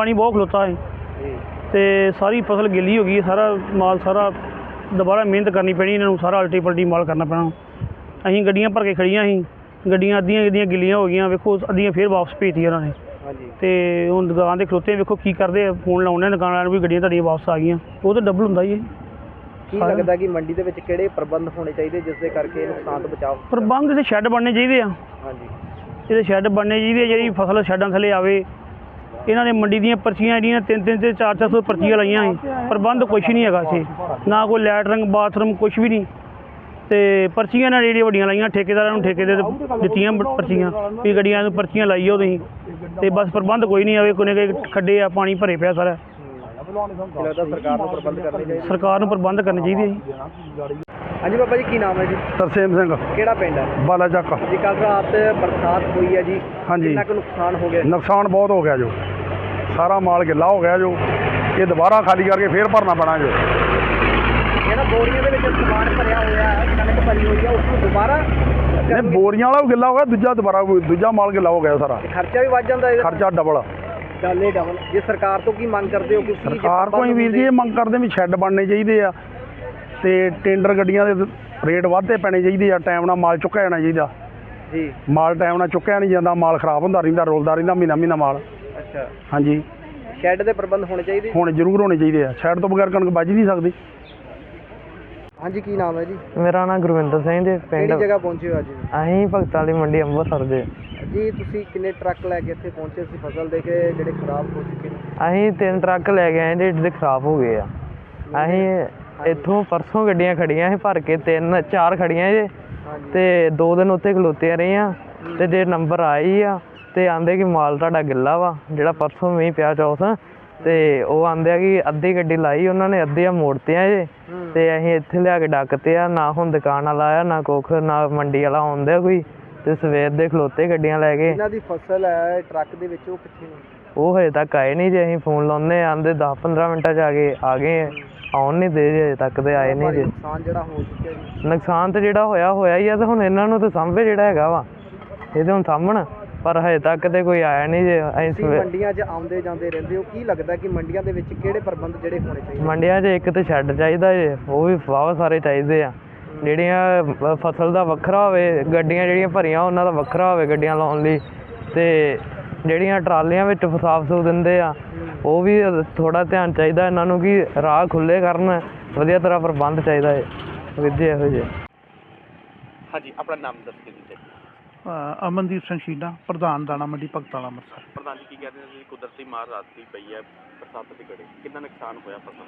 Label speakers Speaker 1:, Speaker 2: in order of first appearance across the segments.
Speaker 1: पानी बहुत खलोता है तो सारी फसल गिली हो गई है। सारा माल सारा दोबारा मेहनत करनी पैनी, इन्होंने सारा अल्टी पल्टी माल करना पैना। असीं गड्डियां भर के खड़ियां सी, गड्डियां अद्धियां गिलियां हो गई, वेखो अद्धियां फिर वापस भेजती उन्होंने। तो हुण दुकान के खलोते वेखो की करते, फोन लाने दुकान वाले भी गड्डियां तुहाडियां वापस आ गई, वो तो डबल हुंदा ही है।
Speaker 2: ਕੀ ਲੱਗਦਾ कि मंडी ਦੇ ਵਿੱਚ ਕਿਹੜੇ ਪ੍ਰਬੰਧ ਹੋਣੇ ਚਾਹੀਦੇ ਜਿਸ ਦੇ ਕਰਕੇ ਨੁਕਸਾਨ ਤੋਂ ਬਚਾਅ?
Speaker 1: ਪ੍ਰਬੰਧ ਤੇ ਸ਼ੈੱਡ ਬਣਨੇ ਚਾਹੀਦੇ ਆ।
Speaker 2: ਹਾਂਜੀ,
Speaker 1: ਇਹਦੇ ਸ਼ੈੱਡ ਬਣਨੇ ਚਾਹੀਦੇ, ਜਿਹੜੀ ਫਸਲ ਸ਼ੈੱਡਾਂ ਥੱਲੇ ਆਵੇ। ਇਹਨਾਂ ਨੇ ਮੰਡੀ ਦੀਆਂ ਪਰਚੀਆਂ ਜਿਹੜੀਆਂ 300 ਤੇ 400 ਪਰਚੀਆਂ ਲਾਈਆਂ ਸੀ, ਪ੍ਰਬੰਧ ਕੁਛ ਨਹੀਂ ਹੈਗਾ ਇੱਥੇ, ਨਾ ਕੋਈ ਲੈਟਰਿੰਗ ਬਾਥਰੂਮ ਕੁਛ ਵੀ ਨਹੀਂ। ਤੇ ਪਰਚੀਆਂ ਨਾਲ ਜਿਹੜੀਆਂ ਵੱਡੀਆਂ ਲਾਈਆਂ, ਠੇਕੇਦਾਰਾਂ ਨੂੰ ਠੇਕੇ ਦੇ ਦਿੱਤੀਆਂ ਪਰਚੀਆਂ ਵੀ ਗੱਡੀਆਂ ਨੂੰ ਪਰਚੀਆਂ ਲਾਈਓ ਤੁਸੀਂ, ਤੇ ਬਸ ਪ੍ਰਬੰਧ ਕੋਈ ਨਹੀਂ ਆਵੇ। ਕੋਨੇ ਖੱਡੇ ਆ, ਪਾਣੀ ਭਰੇ ਪਿਆ ਸਾਰਾ।
Speaker 2: ਲੱਗਦਾ ਸਰਕਾਰ ਨੂੰ ਪ੍ਰਬੰਧ ਕਰਨੇ ਚਾਹੀਦੇ।
Speaker 1: ਸਰਕਾਰ ਨੂੰ ਪ੍ਰਬੰਧ ਕਰਨੇ ਚਾਹੀਦੇ ਜੀ।
Speaker 2: ਹਾਂਜੀ ਬਾਬਾ ਜੀ, ਕੀ ਨਾਮ ਹੈ ਜੀ?
Speaker 3: ਤਰਸੇਮ ਸਿੰਘ,
Speaker 2: ਕਿਹੜਾ ਪਿੰਡ ਹੈ?
Speaker 3: ਬਾਲਾ ਚੱਕ
Speaker 2: ਜੀ। ਕੱਲ ਰਾਤ ਬਰਸਾਤ ਹੋਈ ਹੈ ਜੀ,
Speaker 3: ਹਾਂਜੀ।
Speaker 2: ਕਿੰਨਾ ਕੁ ਨੁਕਸਾਨ ਹੋ ਗਿਆ?
Speaker 3: ਨੁਕਸਾਨ ਬਹੁਤ ਹੋ ਗਿਆ ਜੋ, ਸਾਰਾ ਮਾਲ ਗਿੱਲਾ ਹੋ ਗਿਆ ਜੋ, ਇਹ ਦੁਬਾਰਾ ਖਾਲੀ ਕਰਕੇ ਫੇਰ ਭਰਨਾ ਪੈਣਾ ਜੋ।
Speaker 2: ਜਿਹੜਾ ਬੋਰੀਆਂ ਦੇ ਵਿੱਚ ਸਮਾਨ ਭਰਿਆ ਹੋਇਆ ਹੈ, ਕਣਕ ਭਰੀ ਹੋਈ ਹੈ, ਉਸ ਨੂੰ ਦੁਬਾਰਾ
Speaker 3: ਇਹ ਬੋਰੀਆਂ ਵਾਲਾ ਵੀ ਗਿੱਲਾ ਹੋ ਗਿਆ, ਦੂਜਾ ਮਾਲ ਗਿੱਲਾ ਹੋ ਗਿਆ ਸਾਰਾ।
Speaker 2: ਖਰਚਾ ਵੀ ਵੱਧ ਜਾਂਦਾ ਹੈ,
Speaker 3: ਖਰਚਾ ਡਬਲ।
Speaker 2: ਡਬਲ। ਜੇ ਸਰਕਾਰ ਤੋਂ ਕੀ ਮੰਗ ਕਰਦੇ ਹੋ?
Speaker 3: ਸਰਕਾਰ ਕੋਈ ਵੀਰ ਜੀ ਇਹ ਮੰਗ ਕਰਦੇ ਵੀ ਸ਼ੈੱਡ ਬਣਨੇ ਚਾਹੀਦੇ ਆ, ਤੇ ਟੈਂਡਰ ਗੱਡੀਆਂ ਦੇ ਰੇਟ ਵਾਧੇ ਪੈਣੇ ਚਾਹੀਦੇ ਆ, ਟਾਈਮ ਨਾਲ ਮਾਲ ਚੁੱਕਿਆ ਜਾਣਾ ਚਾਹੀਦਾ
Speaker 2: ਜੀ।
Speaker 3: ਮਾਲ ਟਾਈਮ ਨਾਲ ਚੁੱਕਿਆ ਨਹੀਂ ਜਾਂਦਾ, ਮਾਲ ਖਰਾਬ ਹੁੰਦਾ ਰਹਿੰਦਾ, ਰੋਲਦਾ ਰਹਿੰਦਾ ਮਹੀਨਾ ਮਾਲ।
Speaker 2: ਅੱਛਾ,
Speaker 3: ਹਾਂਜੀ।
Speaker 2: ਸ਼ੈੱਡ ਦੇ ਪ੍ਰਬੰਧ ਹੋਣੇ ਚਾਹੀਦੇ?
Speaker 3: ਹੁਣ ਜ਼ਰੂਰ ਹੋਣੇ ਚਾਹੀਦੇ ਆ, ਸ਼ੈੱਡ ਤੋਂ ਬਗੈਰ ਕਣਕ ਬਚ ਨਹੀਂ ਸਕਦੀ।
Speaker 2: ਹਾਂਜੀ, ਕੀ ਨਾਮ ਹੈ ਜੀ?
Speaker 4: ਮੇਰਾ ਨਾਮ ਗੁਰਵਿੰਦਰ ਸਿੰਘ ਜੀ।
Speaker 2: ਕਿਹੜੀ ਜਗ੍ਹਾ ਪਹੁੰਚੇ ਹੋ ਅੱਜ?
Speaker 4: ਅਸੀਂ ਭਗਤਾਂ ਵਾਲੀ ਮੰਡੀ ਅੰਮ੍ਰਿਤਸਰ ਦੇ
Speaker 2: ਜੀ। ਤੁਸੀਂ ਕਿੰਨੇ ਟਰੱਕ ਲੈ ਕੇ ਇੱਥੇ ਪਹੁੰਚੇ ਸੀ ਫਸਲ ਦੇ ਕੇ ਜਿਹੜੇ ਖਰਾਬ ਹੋ ਚੁੱਕੇ ਨੇ?
Speaker 4: ਅਸੀਂ 3 ਟਰੱਕ ਲੈ ਕੇ ਆਏ ਜਿਹੜੇ ਖਰਾਬ ਹੋ ਗਏ ਆ। ਅਸੀਂ ਇੱਥੋਂ ਪਰਸੋਂ ਗੱਡੀਆਂ ਖੜੀਆਂ ਸੀ ਭਰ ਕੇ, 3-4 ਖੜੀਆਂ ਜੇ, ਤੇ 2 ਦਿਨ ਉੱਥੇ ਖਲੋਤੇ ਰਹੀਆਂ। ਤੇ ਜੇ ਨੰਬਰ ਆਈ ਆ ਤੇ ਆਂਦੇ ਕਿ ਮਾਲ ਤੁਹਾਡਾ ਗਿੱਲਾ ਵਾ, ਜਿਹੜਾ ਪਰਸੋਂ ਮੀਂਹ ਪਿਆ ਚੌਥ, ਤੇ ਉਹ ਆਂਦੇ ਆ ਕਿ ਅੱਧੀ ਗੱਡੀ ਲਾਈ ਉਹਨਾਂ ਨੇ, ਅੱਧੀਆਂ ਮੋੜਤੀਆਂ ਜੇ। ਤੇ ਅਸੀਂ ਇੱਥੇ ਲਿਆ ਕੇ ਡੱਕਤੇ ਆ, ਨਾ ਹੁਣ ਦੁਕਾਨ ਵਾਲਾ ਆਇਆ, ਨਾ ਕੁੱਖ, ਨਾ ਮੰਡੀ ਵਾਲਾ ਆਉਂਦਾ ਕੋਈ, ਤੇ ਸਵੇਰ ਦੇ ਖਲੋਤੇ ਗੱਡੀਆਂ ਲੈ ਕੇ।
Speaker 2: ਇਹਨਾਂ ਦੀ ਫਸਲ ਹੈ ਟਰੱਕ ਦੇ ਵਿੱਚ, ਉਹ ਕਿੱਥੇ ਨੇ?
Speaker 4: ਉਹ ਹਜੇ ਤੱਕ ਆਏ ਨਹੀਂ ਜੇ। ਅਸੀਂ ਫੋਨ ਲਾਉਂਦੇ ਆਂਦੇ 10-15 ਮਿੰਟਾਂ 'ਚ ਆ ਗਏ, ਆਉਣ ਨਹੀਂ ਦੇ ਜੇ, ਹਜੇ ਤੱਕ ਤੇ ਆਏ ਨਹੀਂ ਜੇ।
Speaker 2: ਨੁਕਸਾਨ ਜਿਹੜਾ ਹੋ ਚੁੱਕਿਆ ਜੀ?
Speaker 4: ਨੁਕਸਾਨ ਤੇ ਜਿਹੜਾ ਹੋਇਆ ਹੀ ਆ, ਤੇ ਹੁਣ ਇਹਨਾਂ ਨੂੰ ਤਾਂ ਸਾਂਭੇ ਜਿਹੜਾ ਹੈਗਾ ਵਾ, ਇਹ ਤੇ ਹੁਣ ਸਾਂਭਣ, ਪਰ ਹਜੇ ਤੱਕ ਤੇ ਕੋਈ ਆਇਆ ਨਹੀਂ ਜੇ। ਅਸੀਂ
Speaker 2: ਮੰਡੀਆਂ 'ਚ ਆਉਂਦੇ ਜਾਂਦੇ ਰਹਿੰਦੇ ਹੋ, ਕੀ ਲੱਗਦਾ ਕਿ ਮੰਡੀਆਂ ਦੇ ਵਿੱਚ ਕਿਹੜੇ ਪ੍ਰਬੰਧ ਜਿਹੜੇ ਹੋਣੇ ਚਾਹੀਦੇ?
Speaker 4: ਮੰਡੀਆਂ 'ਚ ਇੱਕ ਤਾਂ ਸ਼ੈੱਡ ਚਾਹੀਦਾ ਜੇ, ਉਹ ਵੀ ਵਾਹਵਾ ਸਾਰੇ ਚਾਹੀਦੇ ਆ। ਜਿਹੜੀਆਂ ਫਸਲ ਦਾ ਵੱਖਰਾ ਹੋਵੇ, ਗੱਡੀਆਂ ਜਿਹੜੀਆਂ ਭਰੀਆਂ ਉਹਨਾਂ ਦਾ ਵੱਖਰਾ ਹੋਵੇ ਗੱਡੀਆਂ ਲਾਉਣ ਲਈ, ਤੇ ਜਿਹੜੀਆਂ ਟਰਾਲੀਆਂ ਵਿੱਚ ਸਾਫ ਸੂਫ ਦਿੰਦੇ ਆ, ਉਹ ਵੀ ਥੋੜ੍ਹਾ ਧਿਆਨ ਚਾਹੀਦਾ ਇਹਨਾਂ ਨੂੰ ਕਿ ਰਾਹ ਖੁੱਲ੍ਹੇ ਕਰਨ, ਵਧੀਆ ਤਰ੍ਹਾਂ ਪ੍ਰਬੰਧ ਚਾਹੀਦਾ ਹੈ ਵੀਰ ਇਹੋ ਜਿਹੇ।
Speaker 5: ਹਾਂਜੀ, ਆਪਣਾ ਨਾਮ ਦੱਸ ਕੇ ਜੀ।
Speaker 3: ਅਮਨਦੀਪ ਸਿੰਘ ਸ਼ੀਨਾ, ਪ੍ਰਧਾਨ ਦਾਣਾ ਮੰਡੀ ਭਗਤਾਂ ਵਾਲਾ ਅੰਮ੍ਰਿਤਸਰ।
Speaker 5: ਪ੍ਰਧਾਨ ਜੀ, ਕੀ ਕਹਿੰਦੇ ਨੇ ਕੁਦਰਤੀ ਮਾਰ ਰਾਤ ਦੀ ਪਈ ਹੈ, ਬਰਸਾਤ ਦੇ ਗੜੇ, ਕਿੰਨਾ ਨੁਕਸਾਨ ਹੋਇਆ ਫਸਲ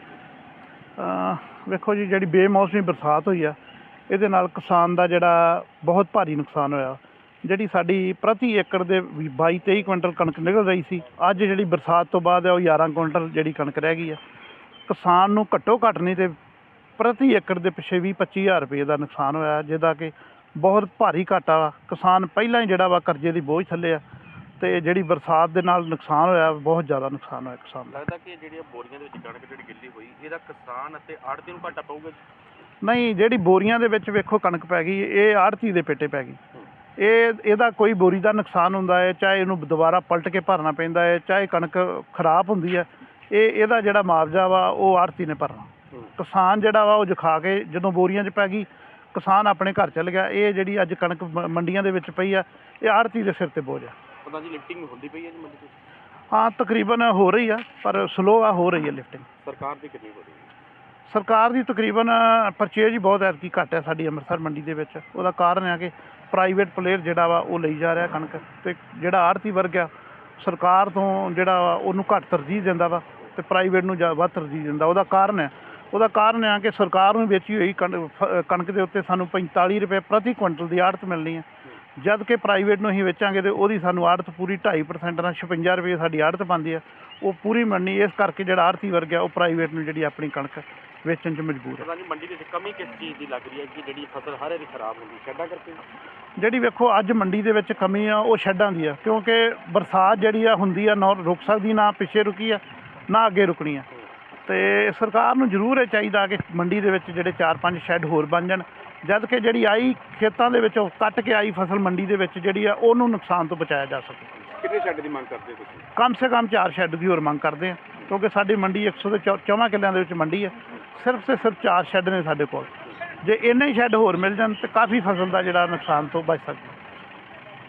Speaker 5: ਦਾ?
Speaker 3: ਵੇਖੋ ਜੀ, ਜਿਹੜੀ ਬੇਮੌਸਮੀ ਬਰਸਾਤ ਹੋਈ ਆ, ਇਹਦੇ ਨਾਲ ਕਿਸਾਨ ਦਾ ਜਿਹੜਾ ਬਹੁਤ ਭਾਰੀ ਨੁਕਸਾਨ ਹੋਇਆ। ਜਿਹੜੀ ਸਾਡੀ ਪ੍ਰਤੀ ਏਕੜ ਦੇ 22-23 ਕੁਇੰਟਲ ਕਣਕ ਨਿਕਲ ਰਹੀ ਸੀ, ਅੱਜ ਜਿਹੜੀ ਬਰਸਾਤ ਤੋਂ ਬਾਅਦ ਹੈ ਉਹ 11 ਕੁਇੰਟਲ ਜਿਹੜੀ ਕਣਕ ਰਹਿ ਗਈ ਆ। ਕਿਸਾਨ ਨੂੰ ਘੱਟੋ ਘੱਟ ਨਹੀਂ ਤੇ ਪ੍ਰਤੀ ਏਕੜ ਦੇ ਪਿੱਛੇ 20-25 ਹਜ਼ਾਰ ਰੁਪਏ ਦਾ ਨੁਕਸਾਨ ਹੋਇਆ, ਜਿਹਦਾ ਕਿ ਬਹੁਤ ਭਾਰੀ ਘਾਟਾ ਵਾ। ਕਿਸਾਨ ਪਹਿਲਾਂ ਹੀ ਜਿਹੜਾ ਵਾ ਕਰਜ਼ੇ ਦੀ ਬੋਝ ਥੱਲੇ ਆ, ਤੇ ਜਿਹੜੀ ਬਰਸਾਤ ਦੇ ਨਾਲ ਨੁਕਸਾਨ ਹੋਇਆ, ਬਹੁਤ ਜ਼ਿਆਦਾ ਨੁਕਸਾਨ ਹੋਇਆ ਕਿਸਾਨ ਦਾ।
Speaker 5: ਲੱਗਦਾ ਕਿ ਜਿਹੜੀਆਂ ਬੋਰੀਆਂ ਦੇ ਵਿੱਚ ਕਣਕ ਜਿਹੜੀ ਗਿੱਲੀ ਹੋਈ, ਇਹਦਾ ਕਿਸਾਨ ਅਤੇ ਆੜ੍ਹਤੀ ਨੂੰ ਘਾਟਾ ਪਊਗਾ?
Speaker 3: ਨਹੀਂ, ਜਿਹੜੀ ਬੋਰੀਆਂ ਦੇ ਵਿੱਚ ਵੇਖੋ ਕਣਕ ਪੈ ਗਈ, ਇਹ ਆੜ੍ਹਤੀ ਦੇ ਪੇਟੇ ਪੈ ਗਈ। ਇਹਦਾ ਕੋਈ ਬੋਰੀ ਦਾ ਨੁਕਸਾਨ ਹੁੰਦਾ ਹੈ, ਚਾਹੇ ਇਹਨੂੰ ਦੁਬਾਰਾ ਪਲਟ ਕੇ ਭਰਨਾ ਪੈਂਦਾ ਹੈ, ਚਾਹੇ ਕਣਕ ਖਰਾਬ ਹੁੰਦੀ ਹੈ, ਇਹਦਾ ਜਿਹੜਾ ਮੁਆਵਜ਼ਾ ਵਾ ਉਹ ਆੜ੍ਹਤੀ ਨੇ ਭਰਨਾ। ਕਿਸਾਨ ਜਿਹੜਾ ਵਾ ਉਹ ਜਖਾ ਕੇ ਜਦੋਂ ਬੋਰੀਆਂ 'ਚ ਪੈ ਗਈ, ਕਿਸਾਨ ਆਪਣੇ ਘਰ ਚੱਲ ਗਿਆ। ਇਹ ਜਿਹੜੀ ਅੱਜ ਕਣਕ ਮੰਡੀਆਂ ਦੇ ਵਿੱਚ ਪਈ ਆ, ਇਹ ਆੜ੍ਹਤੀ ਦੇ ਸਿਰ 'ਤੇ ਬੋਝ ਆ।
Speaker 5: ਪਤਾ ਜੀ ਲਿਫਟਿੰਗ ਹੁੰਦੀ ਪਈ ਹੈ ਜੀ ਮੰਡੀ 'ਚ?
Speaker 3: ਹਾਂ, ਤਕਰੀਬਨ ਹੋ ਰਹੀ ਆ, ਪਰ ਸਲੋ ਆ, ਹੋ ਰਹੀ ਹੈ ਲਿਫਟਿੰਗ।
Speaker 5: ਸਰਕਾਰ ਦੀ ਕਿੰਨੀ ਹੋ ਰਹੀ ਹੈ?
Speaker 3: ਸਰਕਾਰ ਦੀ ਤਕਰੀਬਨ ਪਰਚੇਜ ਹੀ ਬਹੁਤ ਐਤਕੀ ਘੱਟ ਹੈ ਸਾਡੀ ਅੰਮ੍ਰਿਤਸਰ ਮੰਡੀ ਦੇ ਵਿੱਚ। ਉਹਦਾ ਕਾਰਨ ਹੈ ਕਿ ਪ੍ਰਾਈਵੇਟ ਪਲੇਅਰ ਜਿਹੜਾ ਵਾ ਉਹ ਲਈ ਜਾ ਰਿਹਾ ਕਣਕ, ਅਤੇ ਜਿਹੜਾ ਆੜ੍ਹਤੀ ਵਰਗ ਆ ਸਰਕਾਰ ਤੋਂ ਜਿਹੜਾ ਵਾ ਉਹਨੂੰ ਘੱਟ ਤਰਜੀਹ ਦਿੰਦਾ ਵਾ, ਅਤੇ ਪ੍ਰਾਈਵੇਟ ਨੂੰ ਵੱਧ ਤਰਜੀਹ ਦਿੰਦਾ। ਉਹਦਾ ਕਾਰਨ ਹੈ ਕਿ ਸਰਕਾਰ ਨੂੰ ਵੇਚੀ ਹੋਈ ਕਣਕ ਦੇ ਉੱਤੇ ਸਾਨੂੰ 45 ਰੁਪਏ ਪ੍ਰਤੀ ਕੁਇੰਟਲ ਦੀ ਆੜ੍ਹਤ ਮਿਲਣੀ ਹੈ, ਜਦ ਕਿ ਪ੍ਰਾਈਵੇਟ ਨੂੰ ਅਸੀਂ ਵੇਚਾਂਗੇ ਤਾਂ ਉਹਦੀ ਸਾਨੂੰ ਆੜ੍ਹਤ ਪੂਰੀ 2.5% ਨਾਲ 56 ਰੁਪਏ ਸਾਡੀ ਆੜ੍ਹਤ ਬਣਦੀ ਹੈ, ਉਹ ਪੂਰੀ ਮਿਲਣੀ। ਇਸ ਕਰਕੇ ਜਿਹੜਾ ਆੜ੍ਹਤੀ ਵਰਗ ਆ ਉਹ ਪ੍ਰਾਈਵੇਟ ਨੂੰ ਜਿਹੜੀ ਆਪਣੀ ਕਣਕ ਵੇਚਣ 'ਚ ਮਜਬੂਰ ਹੈ।
Speaker 5: ਜੀ ਮੰਡੀ ਦੇ ਵਿੱਚ ਕਮੀ ਕਿਸ ਚੀਜ਼ ਦੀ ਲੱਗ ਰਹੀ ਹੈ ਕਿ ਜਿਹੜੀ ਫਸਲ ਹਰ ਵਾਰੀ ਖਰਾਬ ਹੁੰਦੀ? ਸ਼ੈੱਡਾਂ ਕਰਕੇ?
Speaker 3: ਜਿਹੜੀ ਵੇਖੋ ਅੱਜ ਮੰਡੀ ਦੇ ਵਿੱਚ ਕਮੀ ਆ ਉਹ ਸ਼ੈੱਡਾਂ ਦੀ ਆ, ਕਿਉਂਕਿ ਬਰਸਾਤ ਜਿਹੜੀ ਆ ਹੁੰਦੀ ਆ, ਨਾ ਰੁਕ ਸਕਦੀ, ਨਾ ਪਿੱਛੇ ਰੁਕੀ ਆ, ਨਾ ਅੱਗੇ ਰੁਕਣੀ ਆ। ਅਤੇ ਸਰਕਾਰ ਨੂੰ ਜ਼ਰੂਰ ਇਹ ਚਾਹੀਦਾ ਕਿ ਮੰਡੀ ਦੇ ਵਿੱਚ ਜਿਹੜੇ 4-5 ਸ਼ੈੱਡ ਹੋਰ ਬਣ ਜਾਣ, ਜਦ ਕਿ ਜਿਹੜੀ ਆਈ ਖੇਤਾਂ ਦੇ ਵਿੱਚੋਂ ਕੱਟ ਕੇ ਆਈ ਫਸਲ ਮੰਡੀ ਦੇ ਵਿੱਚ ਜਿਹੜੀ ਆ ਉਹਨੂੰ ਨੁਕਸਾਨ ਤੋਂ ਬਚਾਇਆ ਜਾ ਸਕੇ।
Speaker 5: ਕਿੰਨੇ ਸ਼ੈੱਡ ਦੀ ਮੰਗ ਕਰਦੇ ਹੋ ਤੁਸੀਂ?
Speaker 3: ਕਮ ਸੇ ਕਮ 4 ਸ਼ੈੱਡ ਦੀ ਹੋਰ ਮੰਗ ਕਰਦੇ ਹਾਂ, ਕਿਉਂਕਿ ਸਾਡੀ ਮੰਡੀ 104 ਕਿੱਲਿਆਂ ਦੇ ਵਿੱਚ ਮੰਡੀ ਹੈ। ਸਿਰਫ 4 ਸ਼ੈੱਡ ਨੇ ਸਾਡੇ ਕੋਲ। ਜੇ ਇੰਨੇ ਹੀ ਸ਼ੈੱਡ ਹੋਰ ਮਿਲ ਜਾਣ ਤਾਂ ਕਾਫੀ ਫਸਲ ਦਾ ਜਿਹੜਾ ਨੁਕਸਾਨ ਤੋਂ ਬਚ ਸਕਦਾ।